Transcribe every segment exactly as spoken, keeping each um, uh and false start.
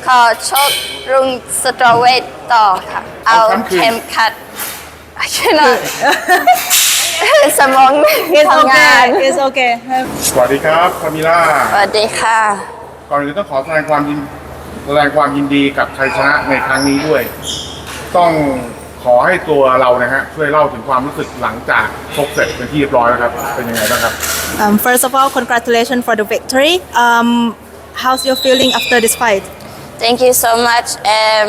ขอชกรุ่งสตรอเวทต่อค่ะเอาเข็มขัดใช่ไหมสมองทำงาน It's okay สวัสดีครับคามิล่าสวัสดีค่ะก่อนอื่นต้องขอแสดงความยินแสดงความยินดีกับชัยชนะในครั้งนี้ด้วย ต้องขอให้ตัวเรานะฮะช่วยเล่าถึงความรู้สึกหลังจากชกเสร็จเป็นที่เรียบร้อยแล้วครับเป็นยังไงบ้างครับ um, First of all congratulations for the victory um, How's your feeling after this fight Thank you so much um,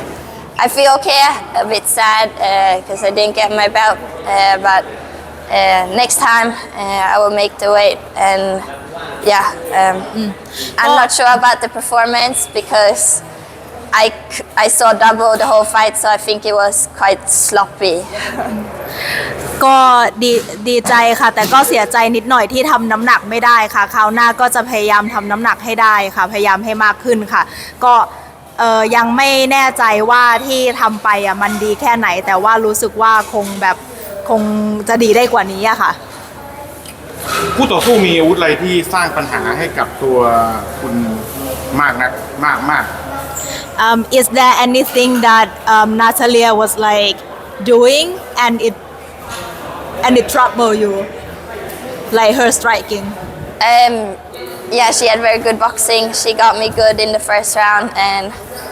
I feel okay a bit sad because uh, I didn't get my belt uh, but uh, next time uh, I will make the weight and yeah um, mm. I'm not sure about the performance because I, I saw double the whole fight so I think it was quite sloppy ก็ดีดีใจค่ะแต่ก็เสียใจนิดหน่อยที่ทำน้ำหนักไม่ได้ค่ะคราวหน้าก็จะพยายามทำน้ำหนักให้ได้ค่ะพยายามให้มากขึ้นค่ะก็เออยังไม่แน่ใจว่าที่ทำไปอ่ะมันดีแค่ไหนแต่ว่ารู้สึกว่าคงแบบคงจะดีได้กว่านี้อะค่ะผู้ต่อสู้มีอาวุธอะไรที่สร้างปัญหาให้กับตัวคุณมากนักมากมาก Um, is there anything that um, Natalia was like doing and it and it trouble you, like her striking? Um, yeah, she had very good boxing. She got me good in the first round, and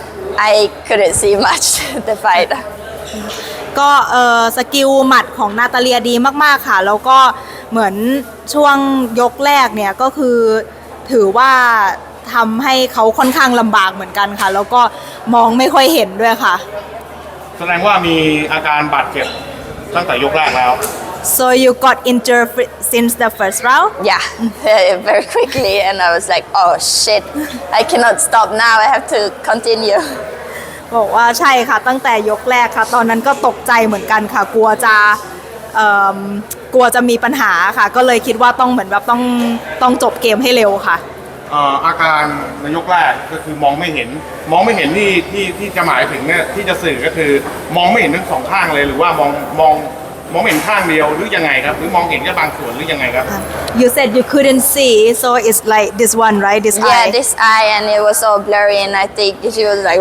I couldn't see much the fight. ก็เออสกิลหมัดของนาตาเลียดีมากๆค่ะแล้วก็เหมือนช่วงยกแรกเนี่ยก็คือถือว่าทำให้เขาค่อนข้างลำบากเหมือนกันค่ะแล้วก็มองไม่ค่อยเห็นด้วยค่ะแสดงว่ามีอาการบาดเจ็บตั้งแต่ยกแรกแล้ว So you got injured since the first round? Yeah, very quickly, and I was like, oh shit, I cannot stop now. I have to continue. บอกว่าใช่ค่ะตั้งแต่ยกแรกค่ะตอนนั้นก็ตกใจเหมือนกันค่ะกลัวจะเอ่อกลัวจะมีปัญหาค่ะก็เลยคิดว่าต้องเหมือนแบบต้องต้องจบเกมให้เร็วค่ะอาการในยกแรกก็คือมองไม่เห็นมองไม่เห็นที่ที่ที่จะหมายถึงเนี่ยที่จะสื่อก็คือมองไม่เห็นทั้งสองข้างเลยหรือว่ามองมองมองเห็นข้างเดียวหรือยังไงครับหรือมองเห็นแค่บางส่วนหรือยังไงครับ You said you couldn't see so it's like this one right this eye Yeah this eye and it was all blurry and I think she was like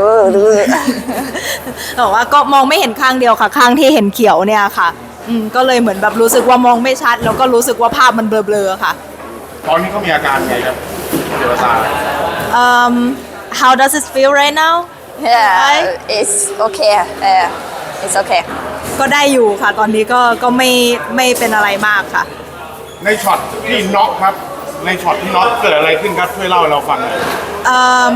บอกว่าก็มองไม่เห็นข้างเดียวค่ะข้างที่เห็นเขียวเนี่ยค่ะอืมก็เลยเหมือนแบบรู้สึกว่ามองไม่ชัดแล้วก็รู้สึกว่าภาพมันเบลอๆค่ะตอนนี้เขามีอาการไงครับเกี่ยวกับตา Um how does it feel right now Yeah it's okay uh, it's okay ก็ได้อยู่ค่ะตอนนี้ก็ก็ไม่ไม่เป็นอะไรมากค่ะในช็อตที่น็อกครับในช็อตที่น็อกเกิดอะไรขึ้นครับช่วยเล่าให้เราฟังหน่อย Um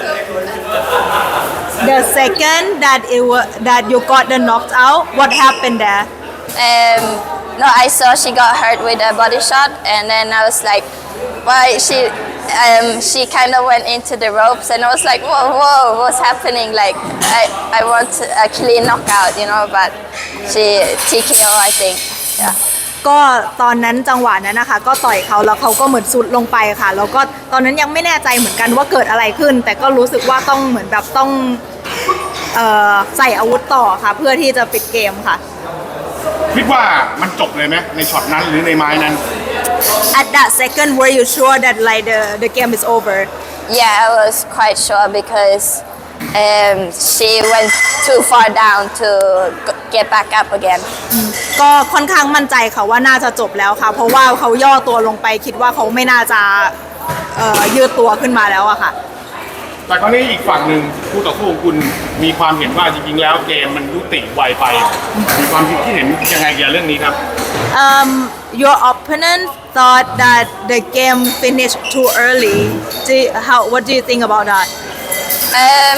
the second that it was that you got the knocked out what happened there Um no I saw she got hurt with a body shot and then I was like why she um she kind of went into the ropes and I was like whoa whoa what's happening like I I want a clean knockout you know but she T K O I think yeah ก็ตอนนั้นจังหวะนั้นนะคะก็ต่อยเขาแล้วเขาก็เหมือนสุดลงไปค่ะแล้วก็ตอนนั้นยังไม่แน่ใจเหมือนกันว่าเกิดอะไรขึ้นแต่ก็รู้สึกว่าต้องเหมือนแบบต้องเอ่อใส่อาวุธต่อค่ะเพื่อที่จะปิดเกมค่ะคิดว่ามันจบเลยไหมในช็อตนั้นหรือในไม้นั้น At that second were you sure that like the the game is over Yeah I was quite sure because um she went too far down to get back up again ก็ค่อนข้างมั่นใจค่ะว่าน่าจะจบแล้วค่ะเพราะว่าเขาย่อตัวลงไปคิดว่าเขาไม่น่าจะเอ่อยืดตัวขึ้นมาแล้วอะค่ะแต่คราวนี้อีกฝั่งหนึ่งผู้ต่อสู้ของคุณมีความเห็นว่าจริงๆแล้วเกมมันยุติไวไปมีความคิดที่เห็นยังไงเกี่ยวกับเรื่องนี้ครับ Um your opponent thought that the game finished too early do you, how what do you think about that Um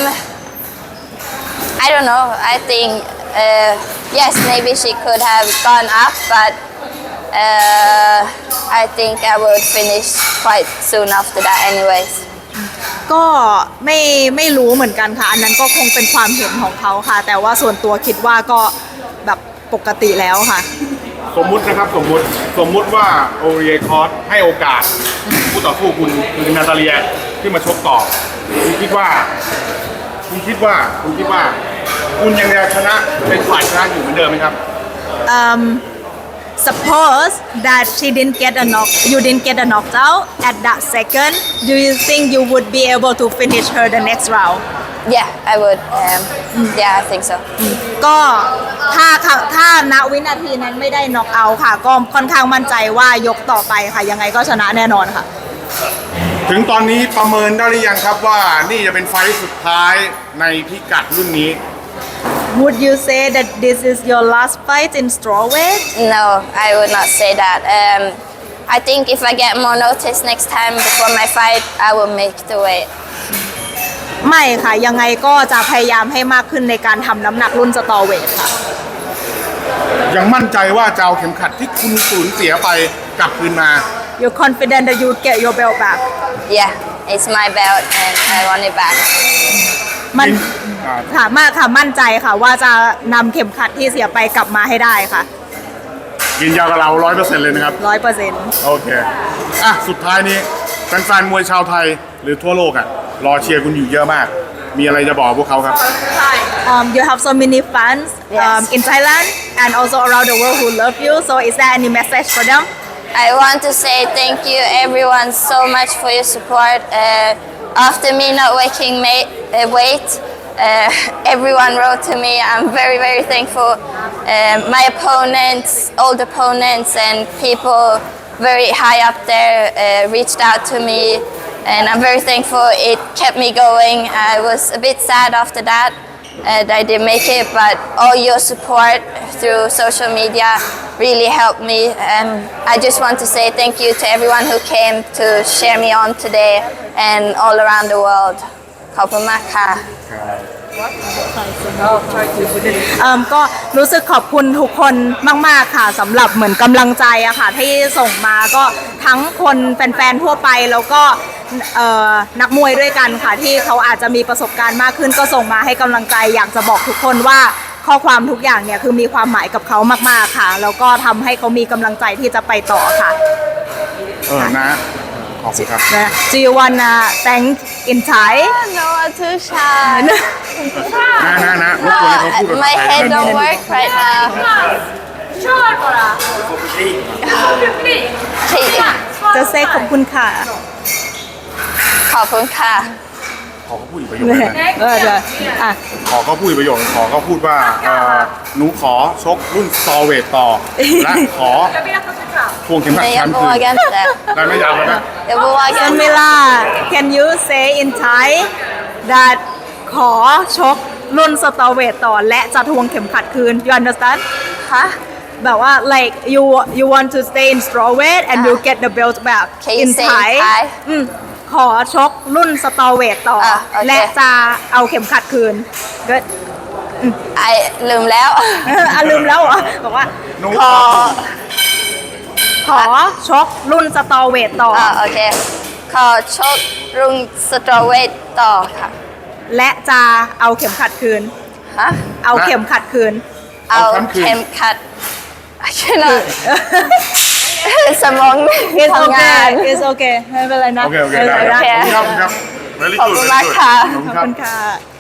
I don't know I think uh, yes maybe she could have gone up but uh, I think I would finish quite soon after that anyways ก็ไม่ไม่รู้เหมือนกันค่ะอันนั้นก็คงเป็นความเห็นของเขาค่ะแต่ว่าส่วนตัวคิดว่าก็แบบปกติแล้วค่ะสมมุตินะครับสมมุติสมมุติว่าโอเรียคอร์สให้โอกาสผู้ต่อสู้คุณคือนาตาเลียที่มาชกต่อคุณคิดว่าคุณคิดว่าคุณคิดว่าคุณยังจะชนะเป็นฝ่ายชนะอยู่เหมือนเดิมไหมครับ um suppose that she didn't get a knock you didn't get a knockout at that second do you think you would be able to finish her the next round Yeah, I would. Um, yeah, I think so. ก็ถ้าค่ะถ้าณวินาทีนั้นไม่ได้น็อกเอาท์ค่ะ ก็ค่อนข้างมั่นใจว่ายกต่อไปค่ะ ยังไงก็ชนะแน่นอนค่ะถึงตอนนี้ประเมินได้หรือยังครับว่านี่จะเป็นไฟท์สุดท้ายในพิกัดรุ่นนี้ Would you say that this is your last fight in strawweight No, I would not say that. Um, I think if I get more notice next time before my fight, I will make the weight. ไม่ค่ะ ยังไงก็จะพยายามให้มากขึ้นในการทำน้ำหนักรุ่นสตอเวทค่ะยังมั่นใจว่าจะเอาเข็มขัดที่คุณสูญเสียไปกลับคืนมา You're confident that you get your belt back Yeah, it's my belt and I want it back. มันอ่าค่ะมากค่ะมั่นใจค่ะว่าจะนำเข็มขัดที่เสียไปกลับมาให้ได้ค่ะยืนยันกับเราร้อยเปอร์เซ็นต์เลยนะครับร้อยเปอร์เซ็นต์โอเค อ่ะ สุดท้ายนี้แฟนๆมวยชาวไทยหรือทั่วโลกอ่ะ รอเชียร์คุณอยู่เยอะมาก มีอะไรจะบอกพวกเขาครับ Um, you have so many fans um, Yes. in Thailand and also around the world who love you. So, is there any message for them? I want to say thank you everyone so much for your support. Uh, after me not waking ma- uh, weight, uh, everyone wrote to me. I'm very, very thankful. Uh, my opponents, old opponents, and people very high up there uh, reached out to me, and I'm very thankful. It kept me going. I was a bit sad after that. And I didn't make it, but all your support through social media really helped me. And I just want to say thank you to everyone who came to cheer me on today and all around the world. ขอบคุณมากค่ะเอิ่มก็รู้สึกขอบคุณทุกคนมาก ๆ ค่ะสำหรับเหมือนกำลังใจอะค่ะที่ส่งมาก็ทั้งคนแฟน ๆ ทั่วไปแล้วก็เอ่อนักมวยด้วยกันค่ะที่เขาอาจจะมีประสบการณ์มากขึ้นก็ส่งมาให้กำลังใจอยากจะบอกทุกคนว่าข้อความทุกอย่างเนี่ยคือมีความหมายกับเขามาก ๆ ค่ะ แล้วก็ทำให้เขามีกำลังใจที่จะไปต่อค่ะเออ นะ ขอบคุณครับ Do you wanna thank in Thai No, I'm too shy. นะนะนะรบกวนให้เขาพูดภาษา My ไทย head don't work right now. จะเซขอบคุณค่ะขอบคุณค่ะขอเขาพูดอีกประโยคนึงนะเออเดี๋ยวอ่ะขอเขาพูดอีกประโยคนึงขอเขาพูดว่าเอ่อหนูขอชกรุ่นสตอเวทต่อ และขอทวงเข็มขัด Men แช jag มป์คืน vågar inte. ได้ไหมยาวเลยนะ Jag vågar inte. Samila can you say in Thai that ขอชกรุ่นสตอเวทต่อและจะทวงเข็มขัดคืน you understand ฮะแบบว่า like you you want to stay in strawweight and you get the belt back Can you in say in Thai Thai? อืมขอชกรุ่นสตอเวทต่ออ่ะโอเคและจะเอาเข็มขัดคืน good ไอลืมแล้วอ่ะลืมแล้วเหรอบอกว่าหนูขอขอชกรุ่นสตอเวทต่ออ่าโอเค ขอชกรุ่งสตรอเวทต่อค่ะและจะเอาเข็มขัดคืนฮะเอาเข็มขัดคืนเอาเอาแชมป์คืนเข็มขัด I cannot สมอง It's ทำงาน okay It's okay ไม่เป็นไรนะโอเค โอเคไม่ได้เป็นไรคนะรับขอบคุณครับ Very ขอบ good คุณ very มาก good ค่ะขอบคุณขอบครับคุณค่ะ